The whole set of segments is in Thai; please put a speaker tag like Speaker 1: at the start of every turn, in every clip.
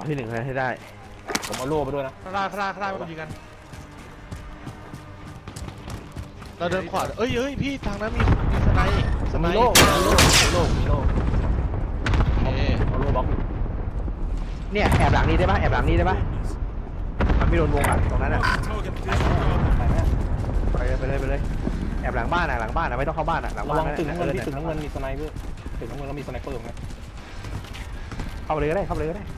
Speaker 1: เอาที่หนึ่งให้ได้
Speaker 2: ผมเอาโล่ไปด้วยนะ
Speaker 3: ข้างล่างไม่ต้องยิงกันเราเดินขวาเอ้ยพี่ทางนั้นมีสไนป์
Speaker 2: มีโล่เอาโล่เอาโล่บล็อก
Speaker 1: เนี่ยแอบหลังนี้ได้ปะแอบหลังนี้ได้ปะมันไม่โดนวงอ่ะตรงนั้นอ่ะไปเลยแอบหลังบ้านอ่ะไม่ต้องเข้าบ้านอ่ะหลังบ้าน
Speaker 2: ระวังตึกน้ำเงินที่ตึกน้ำเงินมีสไนเปอร์ตึกน้ำเงินแล้วมีสไนเปอร์ไหม
Speaker 1: เข้าไปเลยก็ได้เข้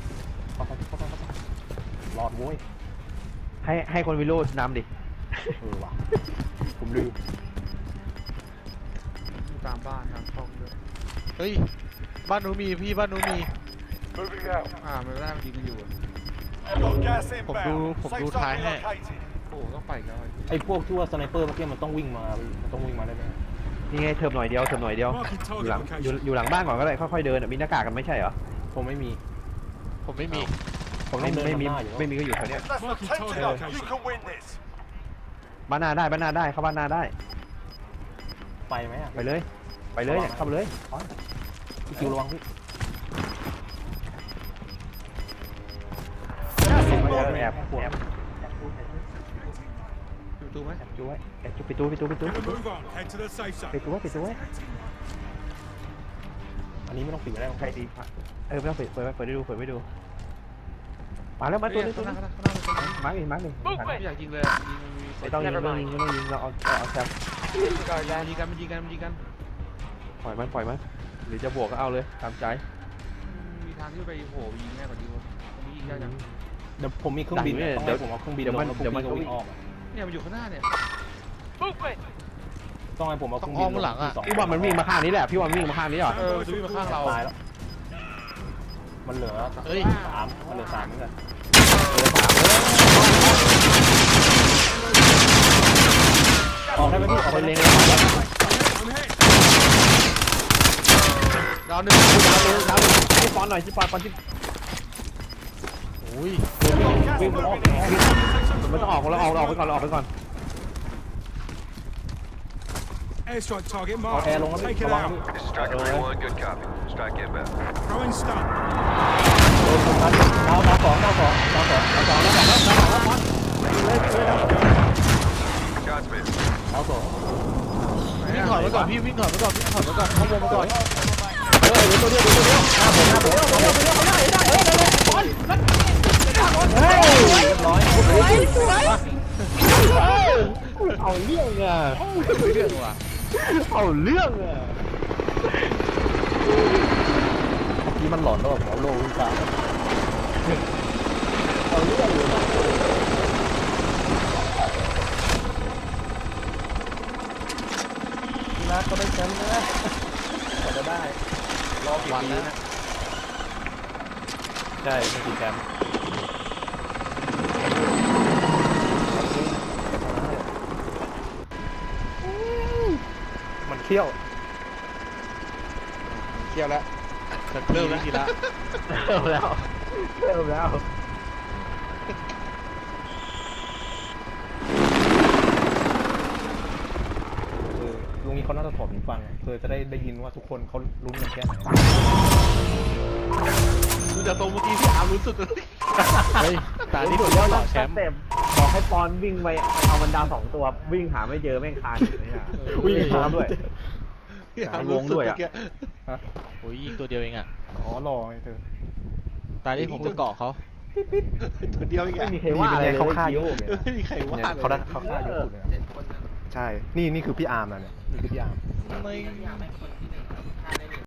Speaker 2: รอดโว้ย
Speaker 1: ให้คนวิโรจน์นำดิ
Speaker 2: ว่ะผมลืม
Speaker 3: ตามบ้านตามช่องด้วยเฮ้ยบ้านนู้นมีพี่บ้านนู้นมีมันไม่ได้มันยิงกันอยู่ผมดูท้ายให้โอ้ต้องไปกัน
Speaker 2: ไอ้พวกที่ว่าสไนเปอร์เมื่อกี้มันต้องวิ่งมาได้ไหม
Speaker 1: นี่ไงเทิร์มหน่อยเดียวอยู่หลังบ้านก่อนก็ได้ค่อยๆเดินมีหน้ากากกันไม่ใช่เหรอ
Speaker 2: ผมไม่มี
Speaker 1: ไม่มีก็อยู่แถวนี้บ้านหน้าได้เข้าบ้านหน้าได้
Speaker 2: ไปไหม
Speaker 1: ไปเลยเนี่ยเข้าไปเลย
Speaker 2: พี่คิวระวังพี่
Speaker 1: แอบ
Speaker 3: ปิดตู้ไหม
Speaker 1: ปิดไว้ปิดตู้
Speaker 2: อันนี้ไม่ต้องปิดก็ได้
Speaker 1: ใครดีไม่ต้องปิดเปิดไม่ดูมาแล้วมาตัวนี้มาร์ก
Speaker 3: ไม่อยากยิงเลย
Speaker 1: ไม่ต้องยิงเราเอาแซม
Speaker 3: ยิงกัน
Speaker 1: ปล่อยมันหรือจะบวกก็เอาเลยตามใจ
Speaker 3: มีทางที่ไปโผล่ยิงง่ายกว่านี้มียิงยากจัง
Speaker 2: เดี๋ยวผมมีเครื่องบินเดี๋ยวผมเอาเครื่องบินเดี๋ยวมันก็วิ่งออก
Speaker 3: เนี่ยมันอยู่ข้างหน้าเนี่ย
Speaker 2: ต้องให้ผมเอา
Speaker 3: ต้องอ้อมหลังอ่ะ
Speaker 1: พี่ว่ามันวิ่งมาข้างนี้แหละพี่ว่าวิ่งมาข้างนี้หรอ
Speaker 3: วิ่งมาข้างเรา
Speaker 2: ตายแล้วมันเหลือ3มันเหลือ3เหมือนกันออกได้ไหมพี่ออกไปเล็ง
Speaker 3: ดาวหนึ่ง
Speaker 1: ให้ฟอนหน่อยที่ฟอนที่
Speaker 3: โอ้ย
Speaker 2: วิ่งมันออก
Speaker 1: มันต้องออกเราออกไปก่อน
Speaker 4: Airstrike target mark.
Speaker 2: แอร์ลงแล้ว
Speaker 4: Take it out.
Speaker 5: Striker 3-1, good copy. Strike inbound.
Speaker 4: Throwing stun.
Speaker 2: ดาว2
Speaker 5: Shots missed.
Speaker 2: ดาว2
Speaker 3: วิ่งถอยไปก่อนพี่วิ่งถอยไปก่อนเข้าวงไปก่อน
Speaker 2: เดี๋ยวตัวเดียวหน้าผมเรียบร้อย
Speaker 1: เอาเรื่องอ่ะเอาเรื่องอ่ะ
Speaker 2: ที่มันหลอนแล้วแบบหมอโลวิ่งตามเอาเรื่องเลยพี่นัทก็ได้แชมป์นะจะได้รอกี่ปีนะใช่ไม่กี่แชมป์มันเขี้ยว
Speaker 3: แล้วเริ่มทีละ
Speaker 1: เริ่มแล้ว
Speaker 2: ลุงนี้เขาน่าจะถอดหูฟังเพื่อจะได้ยินว่าทุกคนเขาลุ้นกันแค่ไหน
Speaker 3: ดูจากตรงเมื่อกี้พี่อาร์มรู้สึกเฮ้ยตานี้ผมว่าแชมป์
Speaker 1: บอกให้ปอนวิ่งไปเอาบรรดา2ตัววิ่งหาไม่เจอแม่งคานอยู่เนี่ยวิ่งหาด้วย
Speaker 3: วงด้วยอ่ะโอ้ยยิงตัวเดียวเองอ่ะ
Speaker 2: รอไงเธอ
Speaker 3: ตาที่ผมจะเกาะเขาตัวเดียวเอง
Speaker 1: ไม่มีใครว่าอะไร
Speaker 2: เขาฆ่าเยอะ
Speaker 3: ไม่มีใครว่า
Speaker 2: เขาฆ่าเยอะเลยใช่นี่คือพี่อาร์มนะเนี่ยนี่คือพี่อาร์ม